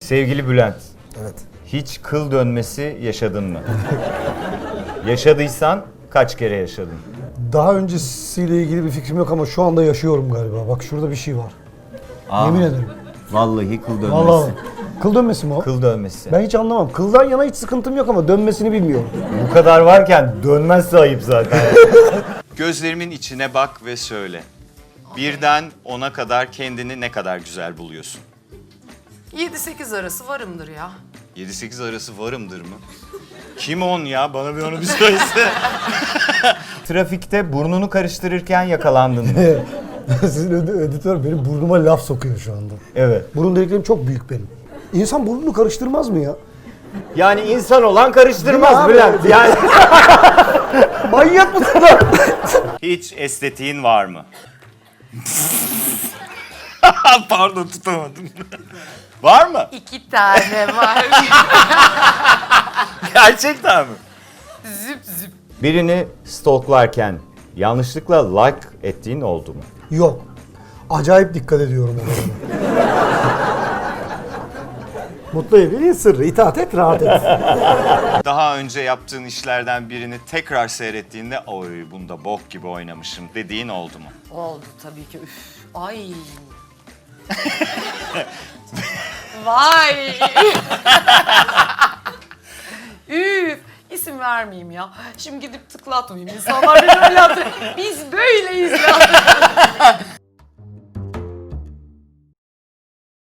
Sevgili Bülent, Evet. hiç kıl dönmesi yaşadın mı? Yaşadıysan kaç kere yaşadın? Daha öncesiyle ilgili bir fikrim yok ama şu anda yaşıyorum galiba. Bak şurada bir şey var. Yemin ederim. Vallahi kıl dönmesi. Vallahi. Kıl dönmesi mi o? Kıl dönmesi. Ben hiç anlamam. Kıldan yana hiç sıkıntım yok ama dönmesini bilmiyorum. Bu kadar varken dönmezse ayıp zaten. Gözlerimin içine bak ve söyle. Birden 10'a kadar kendini ne kadar güzel buluyorsun? 7-8 arası varımdır ya. 7-8 arası varımdır mı? Kim 10 ya? Bana bir onu bir söylese. Trafikte burnunu karıştırırken yakalandın mı? Sizin editör benim burnuma laf sokuyor şu anda. Evet. Burun deliklerim çok büyük benim. İnsan burnunu karıştırmaz mı ya? Yani insan olan Değil karıştırmaz mi Bülent. abi? Yani Manyak mısın lan? hiç estetiğin var mı? Pardon tutamadım. Var mı? 2 tane var. Gerçekten mi? Züp züp. Birini stalklarken yanlışlıkla like ettiğin oldu mu? Yok. Acayip dikkat ediyorum o konuda. Mutlu evliliğin sırrı. İtaat et, rahat et. Daha önce yaptığın işlerden birini tekrar seyrettiğinde oy bunda bok gibi oynamışım dediğin oldu mu? Oldu tabii ki. Üf. Ay. Vay. Üf. İsim vermeyeyim ya. Şimdi gidip tıklatmayayım. İnsanlar beni öyle hatırlıyor. Biz böyleyiz ya.